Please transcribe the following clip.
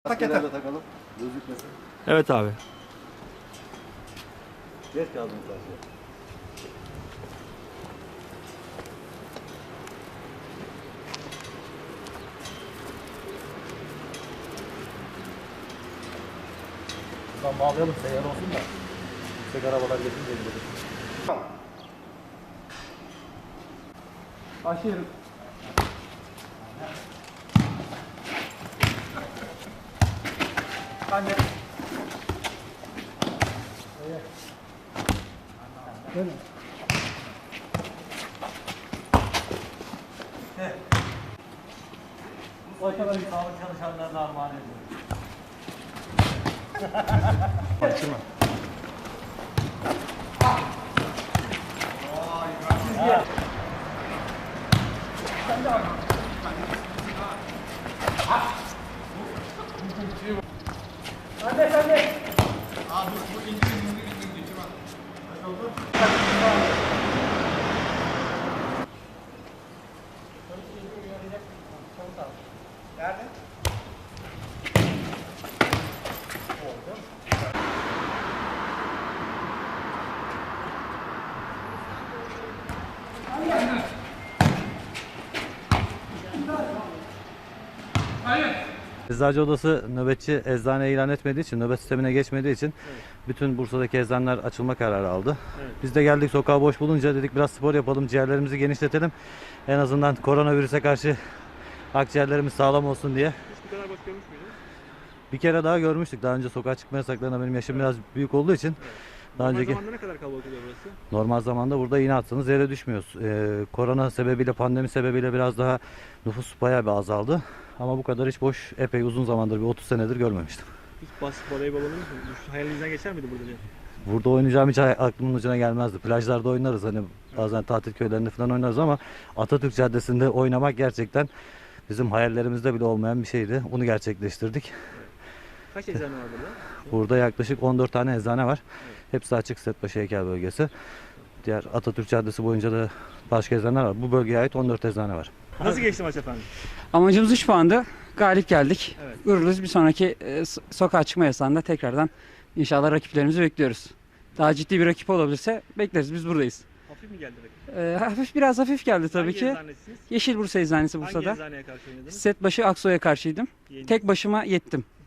Pakete takalım. Gözükmesin. Evet abi. Geç kaldım karşıya. Buradan bağlayalım, seyyar olsun da. Yüksek arabalar geçince gidelim. Tamam. Başlayalım. Anne. Değil mi? Bu kadar sağlık çalışanlarına armağan ediyorum. Açma. Sen de bak. Anne sen de. Abi bu indirim geçir bak. Kaç oldu? Nerede? Oldu. Eczacı odası nöbetçi eczane ilan etmediği için, nöbet sistemine geçmediği için bütün Bursa'daki eczaneler açılma kararı aldı. Evet. Biz de geldik, sokağı boş bulunca dedik biraz spor yapalım, ciğerlerimizi genişletelim. En azından koronavirüse karşı akciğerlerimiz sağlam olsun diye. Hiç bu kadar baş görmüş müydün? Bir kere daha görmüştük. Daha önce sokağa çıkma yasaklarına benim yaşım biraz büyük olduğu için. Daha Normal önceki zamanda ne kadar kalabalık oluyor burası? normal zamanda burada iğne atsanız yere düşmüyoruz. Korona sebebiyle, pandemi sebebiyle biraz daha nüfus bayağı bir azaldı. Ama bu kadar hiç boş, epey uzun zamandır, bir 30 senedir görmemiştim. Hiç basket voleybol oynuyor musun? Hayalinizden geçer miydi burada diye? Burada oynayacağım hiç aklımın ucuna gelmezdi. Plajlarda oynarız, hani bazen tatil köylerinde falan oynarız ama Atatürk Caddesi'nde oynamak gerçekten bizim hayallerimizde bile olmayan bir şeydi. Bunu gerçekleştirdik. Kaç eczane var burada? Burada yaklaşık 14 tane eczane var. Evet. Hepsi açık, Setbaşı Heykel bölgesi. Diğer Atatürk Caddesi boyunca da başka eczaneler var. Bu bölgeye ait 14 eczane var. Nasıl geçti maç efendim? Amacımız 3 puandı. Galip geldik. Evet. Gururluyuz. Bir sonraki sokağa çıkma yasağında tekrardan inşallah rakiplerimizi bekliyoruz. Daha ciddi bir rakip olabilirse bekleriz. Biz buradayız. Hafif mi geldi rakip? Biraz hafif geldi tabii Hangi ki. eczanesiniz? Yeşil Bursa Eczanesi Hangi Bursa'da. eczaneye karşı oynadınız? Setbaşı Aksoy'a karşıydım. Yeni. Tek başıma yettim.